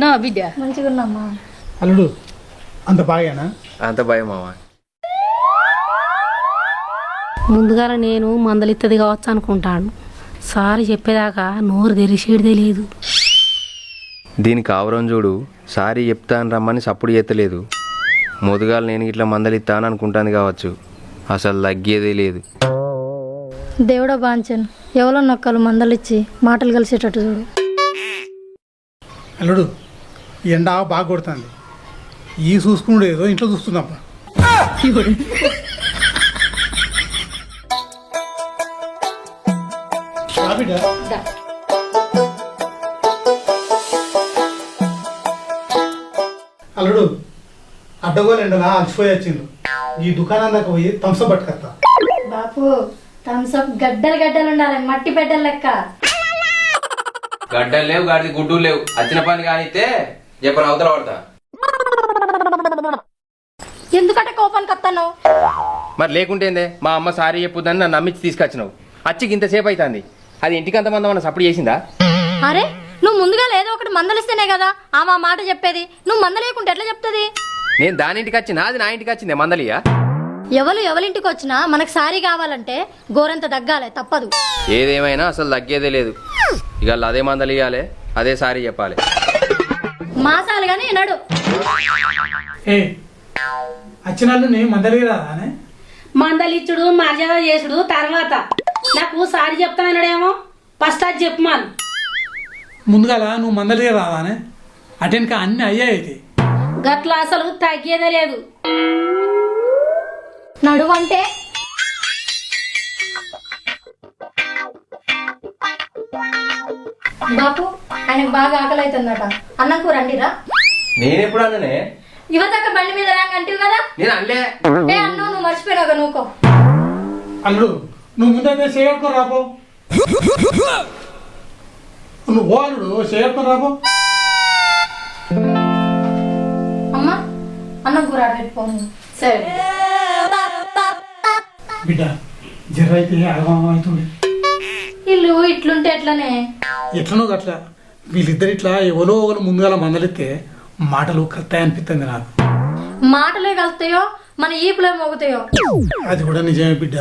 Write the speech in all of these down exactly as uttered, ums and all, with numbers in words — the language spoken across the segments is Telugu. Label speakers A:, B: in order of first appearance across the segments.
A: మంచిగున్నావా బిడ్డ?
B: మంచిగున్నామ్మా.
C: అల్లుడు అంత బాగానా?
D: అంత భయం మామ.
A: ముందుగా నేను మందలిత్తది కావచ్చు అనుకుంటాను. సారీ చెప్పేదాకా నోరు తెరిచేది తెలియదు.
D: దీనికి ఆవరం చూడు, సారీ చెప్తాను రమ్మని సప్పుడు చేస్తలేదు. ముదుగాలు నేను ఇట్లా మందలిస్తాను అనుకుంటాను కావచ్చు, అసలు తగ్గేదే లేదు.
B: దేవుడా బాంచన్, ఎవరో నొక్కలు మందలిచ్చి మాటలు కలిసేటట్టు చూడు.
C: అల్లుడు ఎండ బాగా కొడుతుంది, ఈ చూసుకున్నాడు ఏదో ఇంట్లో చూస్తున్నాప్ప. అల్లుడు అడ్డగోలు ఎండలా అలసిపోయి వచ్చిండు, ఈ దుకాణం దాకా పోయి థమ్స్అప్ పట్టుకొస్తా.
B: బాపు థమ్స్అప్ గడ్డలు గడ్డలు ఉండాలి, మట్టి పెట్టలు లెక్క.
D: గడ్డలు లేవు, గాడి గుడ్డు లేవు. వచ్చిన పని కానిస్తే చెప్పను అవతల పడతా.
B: ఎందుకంటే కోపానికి వస్తాను.
D: మరి లేకుంటేందే మా అమ్మ సారీ చెప్పుద్దని నన్ను నమ్మించి తీసుకొచ్చినావు. అచ్చికి ఇంతసేపు అవుతుంది, అది ఇంటికి అంతమంది మన సప్పుడు చేసిందా?
B: అరే నువ్వు ముందుగా ఏదో ఒకటి మందలిస్తేనే కదా ఆమె ఆ మాట చెప్పేది. నువ్వు మందలేకుంటే ఎట్లా చెప్తుంది?
D: నేను దాని ఇంటికి వచ్చినా, అది నా ఇంటికి వచ్చిందే మందలియా?
B: ఎవరు ఎవరింటికి వచ్చినా మనకు సారీ కావాలంటే గోరంత దగ్గాలే, తప్పదు.
D: ఏదేమైనా అసలు తగ్గేదే లేదు. ఇక అదే మందలు ఇవ్వాలి, అదే సారీ చెప్పాలి.
B: మాసాలు గానీ నడు.
C: ఏ వచ్చిన వాళ్ళని మందలిరా అనే
A: మందలిచ్చుడు మర్యాద చేసుడు తర్వాత. నాకు సారీ చెప్తానన్నాడేమో, ఫస్ట్ అది చెప్పమాను.
C: ముందుగాల నువ్వు మందలిగా రావానే, అటెన్కా అన్ని అయ్యాయి.
A: గట్ల అసలు తగ్గేదే లేదు.
B: నడువు అంటే బాపు ఆయనకు బాగా ఆకలి అవుతుందట, అన్నం కూర అండిరా.
D: నేనెప్పుడు అన్ననే?
B: యువతక్క బండి మీద రాంగ అంటివి కదా.
D: నేను అల్లే
B: ఏ అన్నం నువ్వు మర్చిపోయినావు నువ్వుకో.
C: అల్లుడు నువ్వు ముందే చేయట్టుకుని రాపో, నువ్వు ఓ అల్లుడు చేయట్టుకుని రాపో.
B: అమ్మా అన్నం కూర పెట్టుకోను.
A: సరే
C: బిడ్డ జర్ర అయితే అగమం అవుతుంది.
B: ఇల్లు ఇట్లుంటే ఎట్లనే?
C: ఎట్లనో గట్లా వీళ్ళిద్దరు ఇట్లా ఎవరో ఒకరు ముందుగా మందలిస్తే మాటలు కలుతాయి అనిపిస్తుంది నాకు.
B: మాటలే కలుతాయో మన ఈపులే మోగుతాయో.
C: అది కూడా నిజమే బిడ్డ.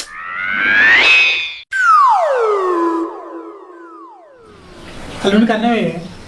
C: అల్లుడిని కన్నవే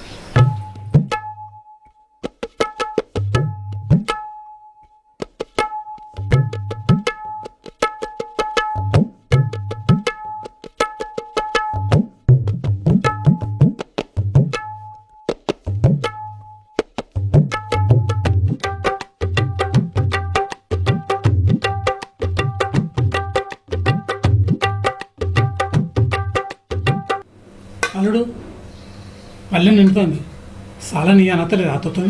C: అల్లుడు పల్లె నిండుతుంది, చాలా నీ అనత్తలేదు అత్తతో.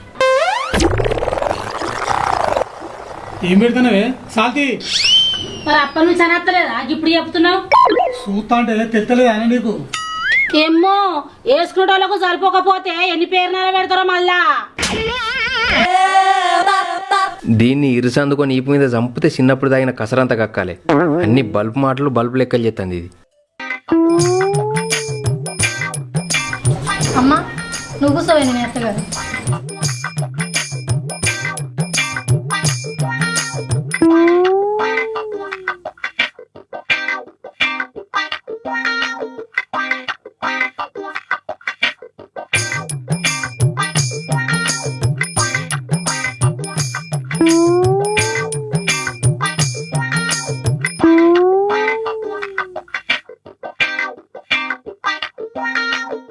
C: ఏం పెడతానవే సాల్తీ?
A: మరి అప్పటి నుంచి అనత్తలేదా ఇప్పుడు చెప్తున్నావు?
C: చూస్తా అంటే తెత్తలేదు అని నీకు.
A: ఏమో వేసుకునే వాళ్ళకు సరిపోకపోతే ఎన్ని పేరునాలు పెడతారో మళ్ళా.
D: దీన్ని ఇరుసందుకొని ఈపు మీద చంపితే చిన్నప్పుడు తాగిన కసరంతా కక్కాలి. అన్ని బల్బు మాటలు బల్బు లెక్కలు చేస్తుంది ఇది.
B: అమ్మా నువ్వు కూర్చోవే, నేను ఎత్తగారు.